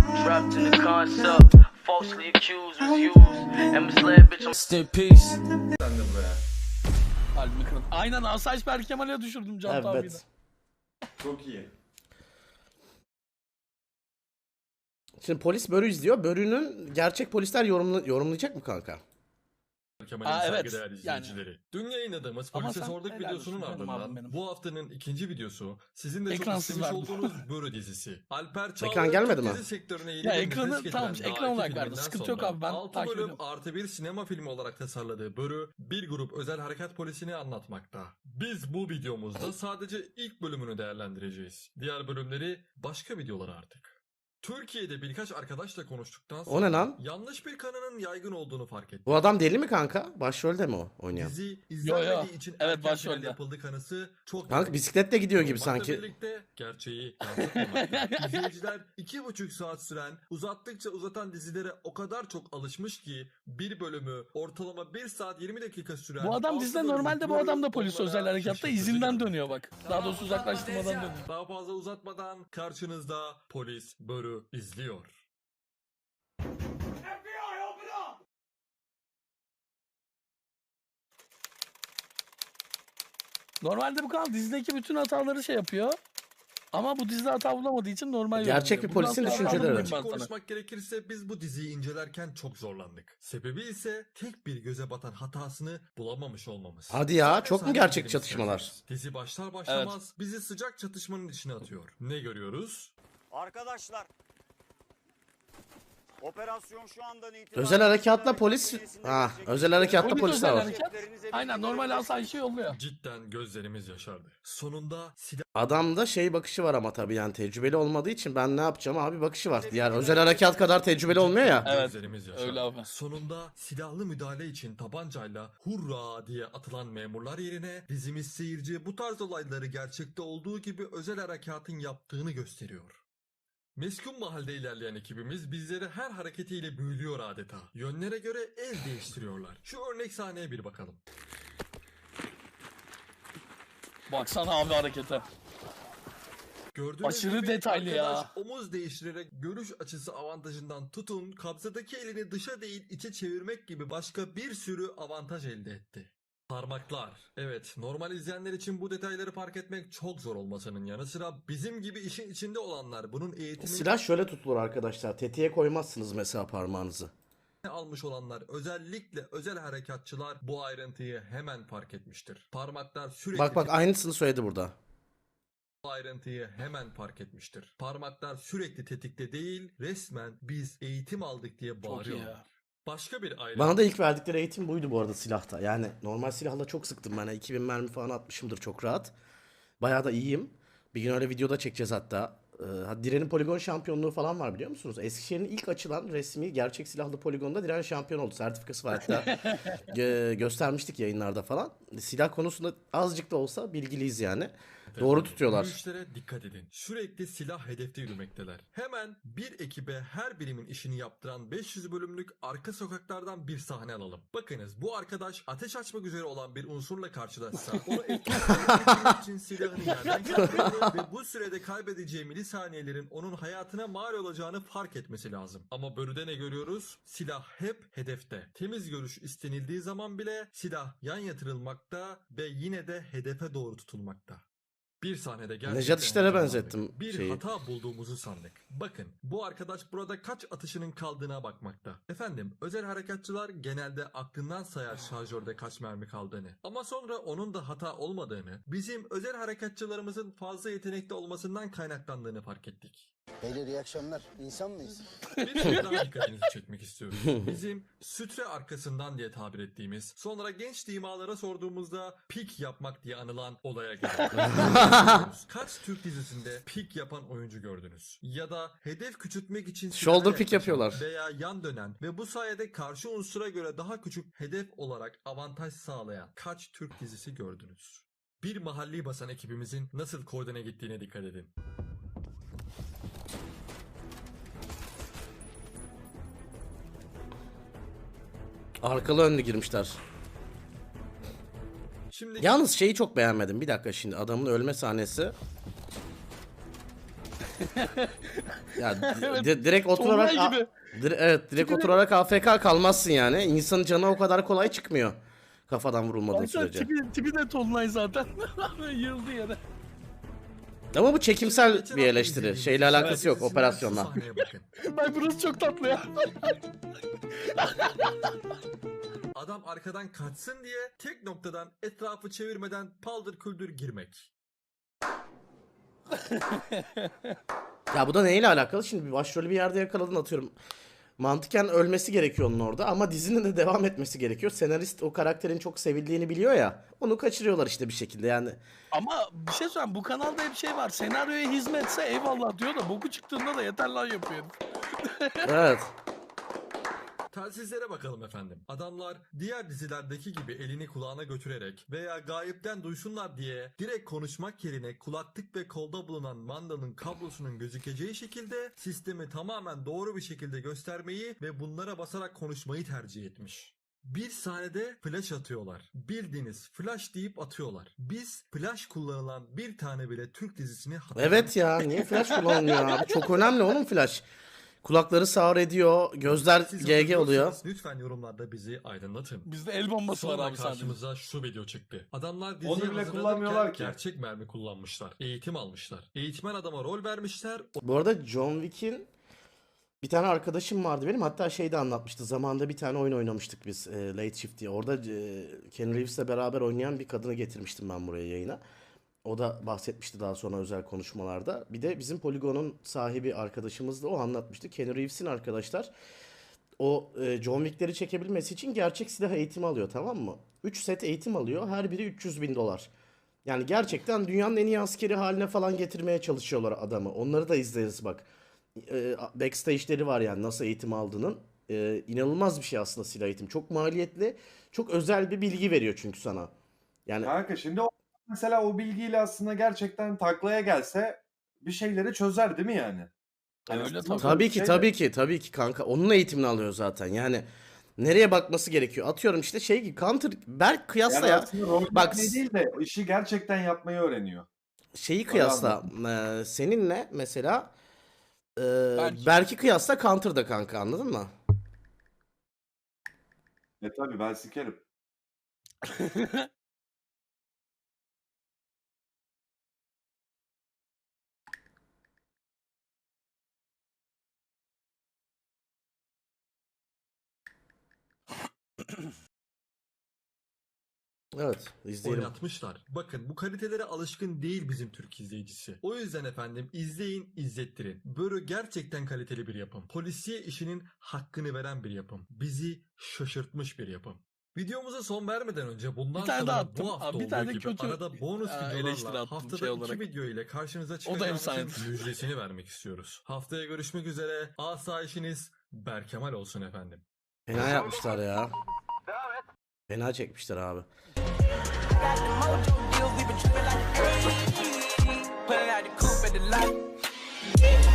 Trapped in the concept, falsely accused was used, and misled bitch. Rest in peace. Sandım be. Kalbimi kırın. Aynen Asayiş Berkemal'e düşürdüm Can abiyi de. Evet. Çok iyi. Şimdi polis Börü izliyor. Börü'nün gerçek polisler yorumlayacak mı kanka? Kemal'in Aa, evet. saygıdeğer izleyicileri. Dün yayınladığımız Ama Polise sen Sorduk helal videosunun olsun canım abim ardından benim. bu haftanın ikinci videosu sizin de çok Ekransız istemiş verdim. olduğunuz Börü dizisi. Alper Çağlar Ekran gelmedi mi? dizi sektörüne yeni Ya bir ekranı- nefes getiren tamam, daha ekran iki olarak verdi. filminden Sıkıntı yok sonra abi, ben 6 takip bölüm ediyorum. artı bir sinema filmi olarak tasarladığı Börü bir grup özel harekat polisini anlatmakta. Biz bu videomuzda sadece ilk bölümünü değerlendireceğiz. Diğer bölümleri başka videolar artık. Türkiye'de birkaç arkadaşla konuştuktan sonra O ne lan? yanlış bir kanının yaygın olduğunu fark ettim. Bu adam deli mi kanka? Başrolde mi o oynayan? Dizi Yo, izlenmediği için evet, erken başrolde. final yapıldı kanısı çok Kanka bisikletle gidiyor gibi olmakla sanki. birlikte gerçeği yansıtmamakta. İzleyiciler 2,5 saat süren uzattıkça uzatan dizilere o kadar çok alışmış ki bir bölümü ortalama 1 saat 20 dakika süren Bu adam 6 dizide bölümlük normalde bu Börü adam da polis onlara özel harekatta şaşırtıcı izinden geldi. dönüyor bak. Daha doğrusu uzaklaştırmadan dönüyor. Daha fazla uzatmadan karşınızda Polis Börü izliyor. Normalde bu kanal dizideki bütün hataları şey yapıyor. Ama bu dizide hata bulamadığı için normal Gerçek yorumluyor. bir polisin Bundan sonra düşünceleri. anlamayayım ben sana. Konuşmak gerekirse biz bu diziyi incelerken çok zorlandık. Sebebi ise tek bir göze batan hatasını bulamamış olmamız. Hadi ya, Sadece çok mu sahne gerçek izlemek çatışmalar? isterseniz. Dizi başlar başlamaz bizi sıcak çatışmanın içine atıyor. Ne görüyoruz? Arkadaşlar, operasyon şu andan itibaren... Özel harekatla polis... Ha, özel harekatla O bir polisler özel var. hareket. Aynen normal asayişi yolluyor. Cidden gözlerimiz yaşardı. Sonunda Adamda şey bakışı var ama tabii yani tecrübeli olmadığı için ben ne yapacağım abi bakışı var. Diğer özel harekat kadar tecrübeli olmuyor ya. Evet, gözlerimiz yaşardı. öyle abi. Sonunda silahlı müdahale için tabancayla hurra diye atılan memurlar yerine dizimiz seyirciye bu tarz olayları gerçekte olduğu gibi özel harekatın yaptığını gösteriyor. Meskun mahalde ilerleyen ekibimiz bizleri her hareketiyle büyülüyor adeta. Yönlere göre el değiştiriyorlar. Şu örnek sahneye bir bakalım. Baksana abi harekete. Gördüğünüz Aşırı gibi detaylı ya. arkadaş omuz değiştirerek görüş açısı avantajından tutun kabzadaki elini dışa değil içe çevirmek gibi başka bir sürü avantaj elde etti. Parmaklar. Evet, normal izleyenler için bu detayları fark etmek çok zor olmasının yanı sıra bizim gibi işin içinde olanlar bunun eğitimini Silah şöyle tutulur arkadaşlar. Tetiğe koymazsınız mesela parmağınızı. almış olanlar özellikle özel harekatçılar bu ayrıntıyı hemen fark etmiştir. Parmaklar sürekli Bak aynısını söyledi burada. bu ayrıntıyı hemen fark etmiştir. Parmaklar sürekli tetikte değil, resmen biz eğitim aldık diye Çok iyi bağırıyorlar. ya. Başka bir ayrıntı. Bana da ilk verdikleri eğitim buydu bu arada silahta. Yani normal silahla çok sıktım ben. 2000 mermi falan atmışımdır çok rahat. Bayağı da iyiyim. Bir gün öyle videoda çekeceğiz hatta. Diren'in poligon şampiyonluğu falan var biliyor musunuz? Eskişehir'in ilk açılan resmi gerçek silahlı poligonda Diren şampiyon oldu. Sertifikası var hatta. Göstermiştik yayınlarda falan. Silah konusunda azıcık da olsa bilgiliyiz yani. Doğru tutuyorlar. Yürüyüşlere dikkat edin. Sürekli silah hedefte yürümekteler. Hemen bir ekibe her birimin işini yaptıran 500 bölümlük arka sokaklardan bir sahne alalım. Bakınız bu arkadaş ateş açmak üzere olan bir unsurla karşılaşsa onu etkilemek için silahını yerden çıkarmalı ve bu sürede kaybedeceği milisaniyelerin onun hayatına mal olacağını fark etmesi lazım. Ama Börü'de ne görüyoruz? Silah hep hedefte. Temiz görüş istenildiği zaman bile silah yan yatırılmakta ve yine de hedefe doğru tutulmakta. Bir sahnede gerçekten Nejat İşler'e heyecanlandık. benzettim Bir şeyi. hata bulduğumuzu sandık. Bakın bu arkadaş burada kaç atışının kaldığına bakmakta. Efendim özel harekatçılar genelde aklından sayar şarjörde kaç mermi kaldığını. Ama sonra onun da hata olmadığını, bizim özel harekatçılarımızın fazla yetenekli olmasından kaynaklandığını fark ettik. Beyler iyi akşamlar. İnsan mıyız? Bir şey daha dikkatinizi çekmek istiyoruz. Bizim sütre arkasından diye tabir ettiğimiz, sonra genç dimalara sorduğumuzda pik yapmak diye anılan olaya geliyoruz. Kaç Türk dizisinde pik yapan oyuncu gördünüz? Ya da hedef küçültmek için Shoulder silahla pick yaklaşan yapıyorlar. veya yan dönen ve bu sayede karşı unsura göre daha küçük hedef olarak avantaj sağlayan kaç Türk dizisi gördünüz? Bir mahalli basan ekibimizin nasıl koordine gittiğine dikkat edin. Arkalı önlü girmişler. Şimdi Yalnız şeyi çok beğenmedim. Bir dakika şimdi adamın ölme sahnesi. Ya Evet, direkt oturarak Tolunay gibi. evet direkt Tipi de- oturarak AFK kalmazsın yani. İnsanın canı o kadar kolay çıkmıyor. Kafadan vurulmadığı Baksana sürece. tipi de Tolunay zaten. Yıldı yere. Ama bu çekimsel Geçen bir hafta eleştiri. izlediğimiz Şeyle Silah alakası yok dizisinden operasyonla. şu sahneye bakın. Bak burası çok tatlı ya. Adam arkadan kaçsın diye tek noktadan etrafı çevirmeden paldır küldür girmek. Ya bu da neyle alakalı? Şimdi bir başrolü bir yerde yakaladın atıyorum. Mantıken ölmesi gerekiyor onun orada ama dizinin de devam etmesi gerekiyor. Senarist o karakterin çok sevildiğini biliyor ya. Onu kaçırıyorlar işte bir şekilde yani. Ama bir şey söyleyeyim, bu kanalda hep şey var. Senaryoya hizmetse eyvallah diyor da boku çıktığında da yeter lan yapıyor. Evet. Telsizlere bakalım efendim. Adamlar diğer dizilerdeki gibi elini kulağına götürerek veya gayipten duysunlar diye direkt konuşmak yerine kulaklık ve kolda bulunan mandanın kablosunun gözükeceği şekilde sistemi tamamen doğru bir şekilde göstermeyi ve bunlara basarak konuşmayı tercih etmiş. Bir sahnede flash atıyorlar. Bildiğiniz flash deyip atıyorlar. Biz flash kullanılan bir tane bile Türk dizisini Evet ya niye flash kullanılmıyor abi? Çok önemli oğlum flash. Kulakları sağır ediyor, gözler Siz GG oluyor. hatırlıyorsanız lütfen yorumlarda bizi aydınlatın. Bizde el bombası var Sonra abi sadece. karşımıza şu video çıktı. Adamlar Onu diziye bile hazırlanırken kullanmıyorlar ki. gerçek mermi kullanmışlar. Eğitim almışlar. Eğitmen adama rol vermişler. Bu arada John Wick'in bir tane arkadaşım vardı benim. Hatta şey de anlatmıştı. Zamanında bir tane oyun oynamıştık biz Late Shift diye. Orada Keanu Reeves'le beraber oynayan bir kadını getirmiştim ben buraya yayına. O da bahsetmişti daha sonra özel konuşmalarda. Bir de bizim Polygon'un sahibi arkadaşımız da o anlatmıştı. Keanu Reeves'in arkadaşlar o John Wick'leri çekebilmesi için gerçek silah eğitimi alıyor, tamam mı? 3 set eğitim alıyor. Her biri $300.000. Yani gerçekten dünyanın en iyi askeri haline falan getirmeye çalışıyorlar adamı. Onları da izleriz bak. Backstage'leri var yani nasıl eğitim aldığının. İnanılmaz bir şey aslında silah eğitimi. Çok maliyetli. Çok özel bir bilgi veriyor çünkü sana. Yani Kanka şimdi mesela o bilgiyle aslında gerçekten taklaya gelse bir şeyleri çözer değil mi yani? Öyle aslında tabii. tabii bir ki şey de- tabii ki kanka. Onun eğitimini alıyor zaten. Yani nereye bakması gerekiyor? Atıyorum işte şey gibi Counter Berk kıyasla Yani ya. aslında rol Bak, yapmayı değil de işi gerçekten yapmayı öğreniyor. Şeyi Öyle kıyasla seninle mesela Berk'i kıyasla Counter'da kanka, anladın mı? Tabii ben sikerim. Evet, izleyelim. Oynatmışlar. Bakın bu kalitelere alışkın değil bizim Türk izleyicisi. O yüzden efendim izleyin, izlettirin. Böyle gerçekten kaliteli bir yapım. Polisiye işinin hakkını veren bir yapım. Bizi şaşırtmış bir yapım. Videomuza son vermeden önce bundan Bir tane sonra daha attım. bu hafta Abi bir olduğu tane gibi kötü, arada bonus eleştiri videolarla attım haftada şey 2 olarak. video ile karşınıza O da çıkacağımızın efsanedir. müjdesini vermek istiyoruz. Haftaya görüşmek üzere. Asayişiniz Berkemal olsun efendim. Fena yapmışlar ya. Fena çekmişler abi. Got the mojo deals, we been trippin' like ayy. Pulling out the coupe at the lot.